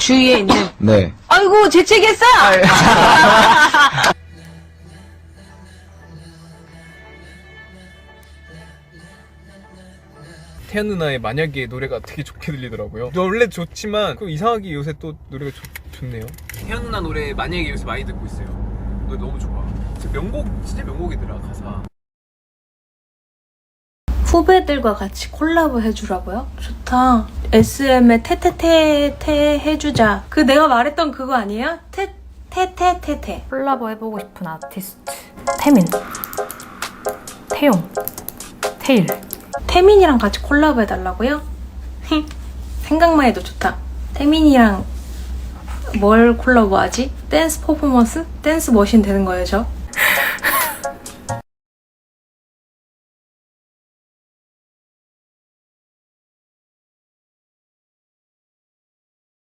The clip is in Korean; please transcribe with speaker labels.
Speaker 1: 주위에 있는.
Speaker 2: 네.
Speaker 1: 아이고, 재채기했어!
Speaker 3: 태연 누나의 만약에 노래가 되게 좋게 들리더라고요. 원래 좋지만 이상하게 요새 또 노래가 좋네요. 태연 누나 노래 만약에 요새 많이 듣고 있어요. 노래 너무 좋아. 진짜 명곡이더라 가사.
Speaker 4: 후배들과 같이 콜라보 해주라고요? 좋다. SM의 테테테테 해주자. 그 내가 말했던 그거 아니에요? 테테테테.
Speaker 5: 콜라보 해보고 싶은 아티스트 태민, 태용, 태일.
Speaker 4: 태민이랑 같이 콜라보 해달라고요? 생각만 해도 좋다. 태민이랑 뭘 콜라보 하지? 댄스 퍼포먼스? 댄스 머신 되는 거예요, 저?